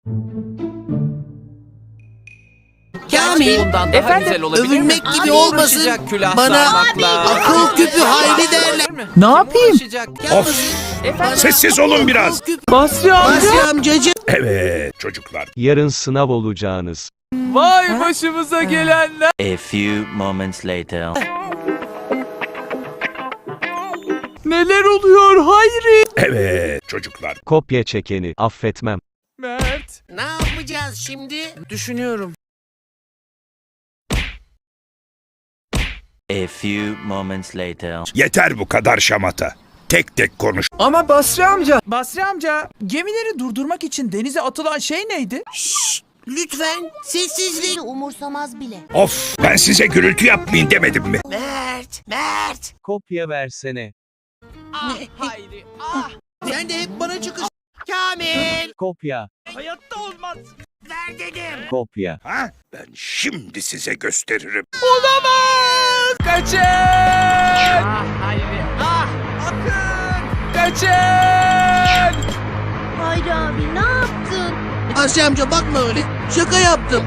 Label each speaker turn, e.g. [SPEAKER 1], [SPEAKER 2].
[SPEAKER 1] Kamil,
[SPEAKER 2] Bundan daha güzel olabilir
[SPEAKER 1] övünmek
[SPEAKER 2] mi?
[SPEAKER 1] gibi olmasın.
[SPEAKER 2] Uğraşacak külah
[SPEAKER 1] Bana
[SPEAKER 2] sağmakla.
[SPEAKER 1] akıl küpü hayli derler.
[SPEAKER 3] Ne yapayım?
[SPEAKER 2] Uğraşacak.
[SPEAKER 4] Of! Sessiz olun biraz.
[SPEAKER 3] Basri amca.
[SPEAKER 1] Basri amcacığım.
[SPEAKER 4] Evet çocuklar.
[SPEAKER 5] Yarın sınav olacağınız.
[SPEAKER 3] Vay başımıza gelenler.
[SPEAKER 6] A few moments later.
[SPEAKER 3] Neler oluyor Hayri?
[SPEAKER 4] Evet çocuklar.
[SPEAKER 5] Kopya çekeni affetmem.
[SPEAKER 3] Mert.
[SPEAKER 1] Ne yapacağız şimdi?
[SPEAKER 2] Düşünüyorum.
[SPEAKER 6] A few moments later.
[SPEAKER 4] Yeter bu kadar şamata. Tek tek konuş.
[SPEAKER 3] Ama Basri amca. Basri amca, gemileri durdurmak için denize atılan şey neydi?
[SPEAKER 1] Lütfen sessizlik.
[SPEAKER 7] Bizi umursamaz bile.
[SPEAKER 4] Of! Ben size gürültü yapmayın demedim mi?
[SPEAKER 1] Mert.
[SPEAKER 5] Kopya versene.
[SPEAKER 3] Hayri.
[SPEAKER 1] Sen de hep bana çıkış. Kamil.
[SPEAKER 5] Kopya.
[SPEAKER 3] Hayatta olmaz.
[SPEAKER 1] Ver dedim.
[SPEAKER 5] Kopya.
[SPEAKER 4] Ha? Ben şimdi size gösteririm.
[SPEAKER 3] Olamaz. Kaçın. Hayri. Akın. Kaçın.
[SPEAKER 7] Hayri abi ne yaptın?
[SPEAKER 1] Basri amca bakma öyle. Şaka yaptım.